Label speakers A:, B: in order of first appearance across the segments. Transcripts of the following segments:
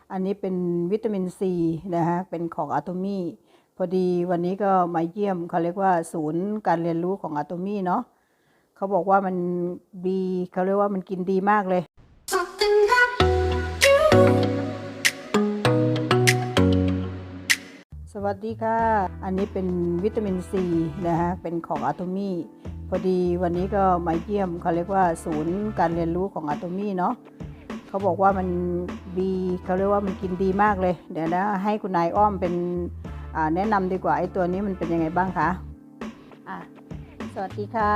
A: อันนี้เป็นวิตามินซีนะฮะเป็นของอะโตมี่พอดีวันนี้ก็มาเยี่ยมเขาเรียกว่าศูนย์การเรียนรู้ของอะโตมี่เนาะเขาบอกว่ามันดีเขาเรียกว่ามันกินดีมากเลยสวัสดีค่ะอันนี้เป็นวิตามินซีนะฮะเป็นของอะโตมี่พอดีวันนี้ก็มาเยี่ยมเขาเรียกว่าศูนย์การเรียนรู้ของอะโตมี่เนาะเขาบอกว่ามันดีเขาเรียกว่ามันกินดีมากเลยเดี๋ยวนะให้คุณนายอ้อมเป็นแนะนำดีกว่าไอ้ตัวนี้มันเป็นยังไงบ้างคะสวัสดีค่ะ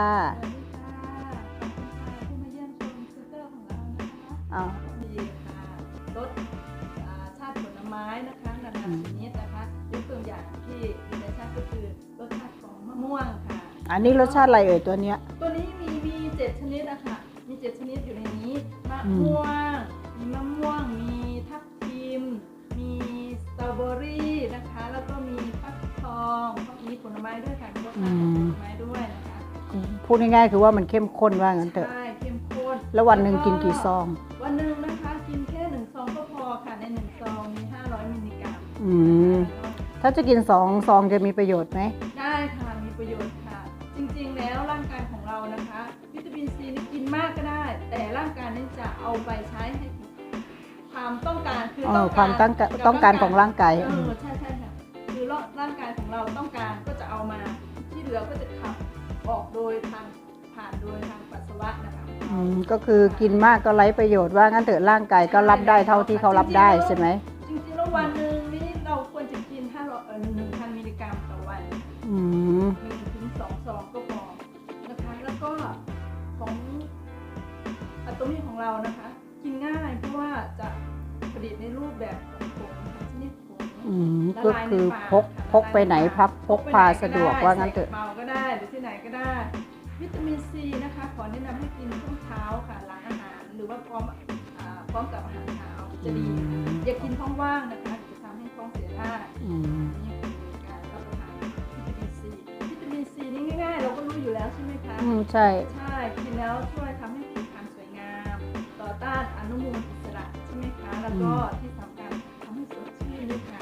B: ที่มาเยี่ยมชมซูเปอร์ของเรานะคะมีรสชาติผลไม้นะคะนานาชนิดนะคะยกตัวอย่างที่มีรสชาติก็คือรสชาติของมะม่วงค่ะ
A: อันนี้รสชาติอะไรเอ่ยตัวเนี้ย
B: ตัวนี้มี7ชนิดนะคะมี7ชนิดอยู่ในนี้มะม่วงมีมะม่วงมีทับทิมมีสตรอเบอรี่นะคะแล้วก็มีฟักทองมีผลไม้ด้วยค่ะรสชาติของผลไม้ด้วยนะคะ
A: พูดง่ายๆคือว่ามันเข้มข้นว่างั้นเถอะ
B: ใช่เข้มข้น
A: แล้ววันหนึ่งกินกี่ซอง
B: วันหนึ่งนะคะกินแค่1 ซองก็พอค่ะใน1 ซองมี500 มิลลิกรัม
A: ถ้าจะกิน2 ซองจะมีประโยชน์ไหม
B: ได้ค่ะมีประโยชน์ค่ะจริงๆแล้วร่างกายของเรานะคะวิตามินซีนี่กินมากก็ได้แต่ร่างกายนี่จะเอาไปใช้ให้ความต้องการคือ
A: ความต้องการของร่างกาย
B: ใช่ค่ะคือร่างกายของเราต้องการก็จะเอามาที่เหลือก็จะขับออกโดยผ่านโดยทางปัสสาวะนะคะ
A: ก็คือกินมากก็ไร้ประโยชน์ว่างั้นเถอะร่างกายก็รับได้เท่าที่เขารับได้ใช่ไหม
B: จริงๆแล้ววันหนึ่งนี่เราควรจะกิน1,000 มิลลิกรัมต่อวัน1 ถึง 2 ซองก็พอนะคะแล้วก็ของอะโตมี่ของเรานะคะกินง่ายเพราะว่าจะผลิตในรูปแบบของผงชนิดผง
A: ก็คือพกไปไหนพกพาสะดวกว่างั้นเถอะ
B: เมาก็ได้หรือที่ไหนก็ได้วิตามินซีนะคะขอแนะนำให้กินช่วงเช้าค่ะหลังอาหารหรือว่าพร้อมกับอาหารเช้าจะดีอย่ากินท้องว่างนะคะจะทำให้ท้องเสียได้นี่คือการรับประทานวิตามินซีนี่ง่ายๆเราก็รู้อยู่แล้วใช่ไหมคะ
A: ใช่
B: กินแล้วช่วยทำให้ผิวพรรณสวยงามต่อต้านอนุมูลอิสระใช่ไหมคะแล้วก็ที่สำคัญทำให้สดชื่นด้วยค่ะ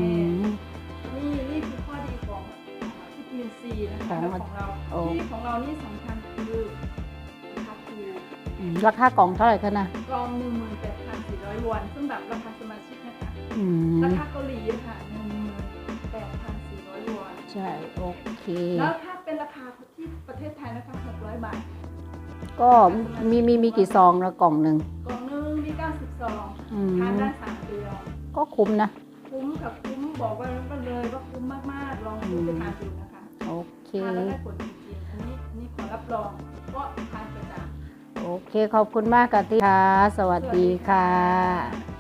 B: นี่คือข้อดีของวิตามินซีนะคะของเรานี่สำคัญคือ
A: ราคากล่องเท่าไหร่คะนะ
B: กล่อง 18,400 วอนซึ่งแบบราคาสมาชิกนะคะราคาเกาหลีค่ะ 18,400 วอน
A: ใช่โอเค
B: แล้วถ้าเป็นราคาที่ประเทศไทยนะคะ600 บาท
A: ก็มีกี่ซองแล้วกล่องหนึ่ง
B: มี90 ซองทานได้3 เดือน
A: ก็คุ้มนะ
B: คุ้มกับคุ้มบอกว่าเลยว่าคุ้มมากๆลองดูไปทานดูนะคะ
A: โอเค
B: ทานแล้วได้ผลจริงๆอันนี้ขอรับรองก็ทานประจำ
A: โอเคขอบคุณมากค่ะที่ค่ะสวัสดีค่ะ